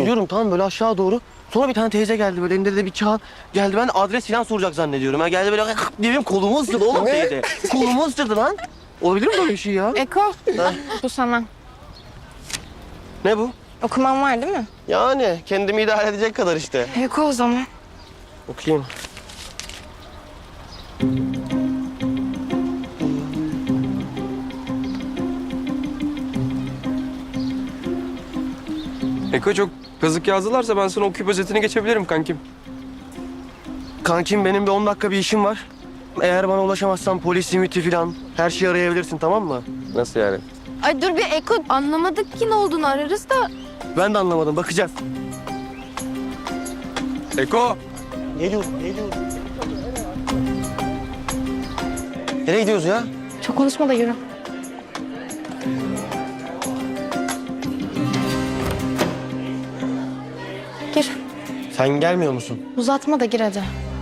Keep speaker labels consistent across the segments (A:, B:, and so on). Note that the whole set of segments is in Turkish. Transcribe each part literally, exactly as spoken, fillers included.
A: İniyorum tamam böyle aşağı doğru. Sonra bir tane teyze geldi böyle elinde de bir kağıt geldi. Ben adres falan soracak zannediyorum. Ha geldi böyle diye benim kolumu ısırdı oğlum teyze. Kolumu ısırdı lan. Olabilir mi böyle bir şey ya?
B: Eko, bu sana.
A: Ne bu?
B: Okuman var değil mi?
A: Yani kendimi idare edecek kadar işte.
B: Eko o zaman.
A: Okuyayım.
C: Eko çok kazık yazdılarsa ben sana okuyup özetini geçebilirim kankim.
A: Kankim benim bir on dakika bir işim var. Eğer bana ulaşamazsan polis, simiti falan her şeyi arayabilirsin tamam mı?
C: Nasıl yani?
B: Ay dur bir Eko, anlamadık ki ne olduğunu ararız da.
A: Ben de anlamadım bakacağız.
C: Eko!
A: Geliyorum, geliyorum. Nereye gidiyoruz ya?
B: Çok konuşma da yürü. Gir.
A: Sen gelmiyor musun?
B: Uzatma da gir hadi.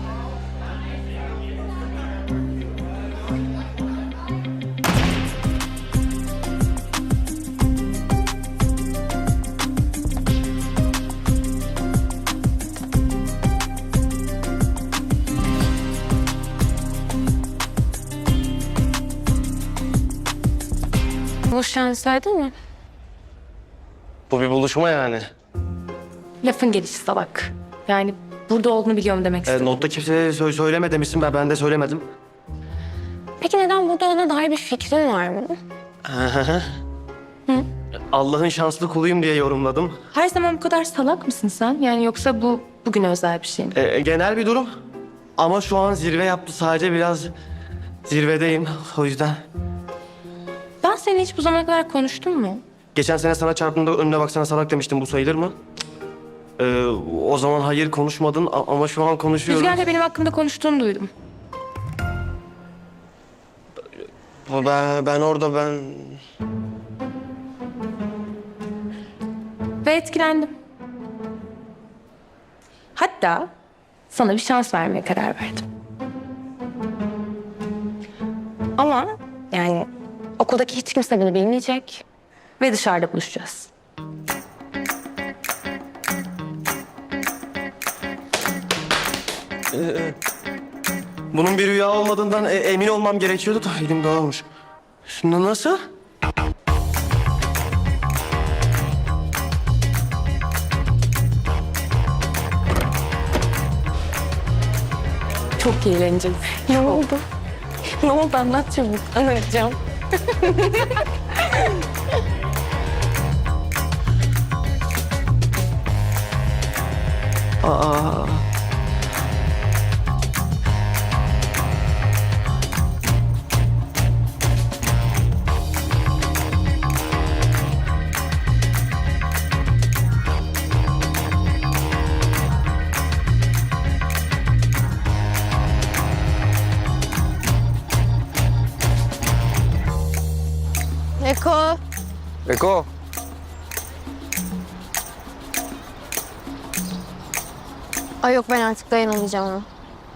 B: Buluşacağını söyledin mi?
A: Bu bir buluşma yani.
D: Lafın gelişi salak. Yani burada olduğunu biliyorum demek
A: E,
D: istedim.
A: notta kimseye sö- söyleme demişsin ben, ben de söylemedim.
D: Peki neden burada olduğuna dair bir fikrin var mı?
A: Allah'ın şanslı kuluyum diye yorumladım.
D: Her zaman bu kadar salak mısın sen? Yani yoksa bu bugün özel bir şey mi?
A: E, genel bir durum. Ama şu an zirve yaptı sadece biraz zirvedeyim o yüzden.
D: Ben seninle hiç bu zamana kadar konuştum mu?
A: Geçen sene sana çarptığımda önüne baksana salak demiştim bu sayılır mı? E, o zaman hayır konuşmadın a- ama şu an konuşuyorum.
D: Rüzgar'la benim hakkımda konuştuğunu duydum.
A: Ben, ben orada ben...
D: Ve etkilendim. Hatta sana bir şans vermeye karar verdim. Ama yani okuldaki hiç kimse bunu bilmeyecek ve dışarıda buluşacağız.
A: Bunun bir rüya olmadığından e- emin olmam gerekiyordu da elim dağılmış. Şimdi nasıl?
D: Çok eğleneceğiz.
B: Ne oldu? Ne oldu anlat çabuk. Anlatacağım.
A: Aa.
B: Eko.
C: Eko!
B: Ay yok ben artık dayanamayacağım ona.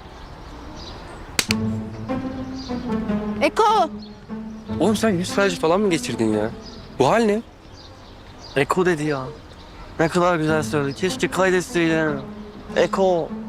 B: Eko.
C: Oğlum sen yüz felci falan mı geçirdin ya? Bu hal ne?
A: Eko dedi ya. Ne kadar güzel söyledi. Keşke kaydetseydim. Eko.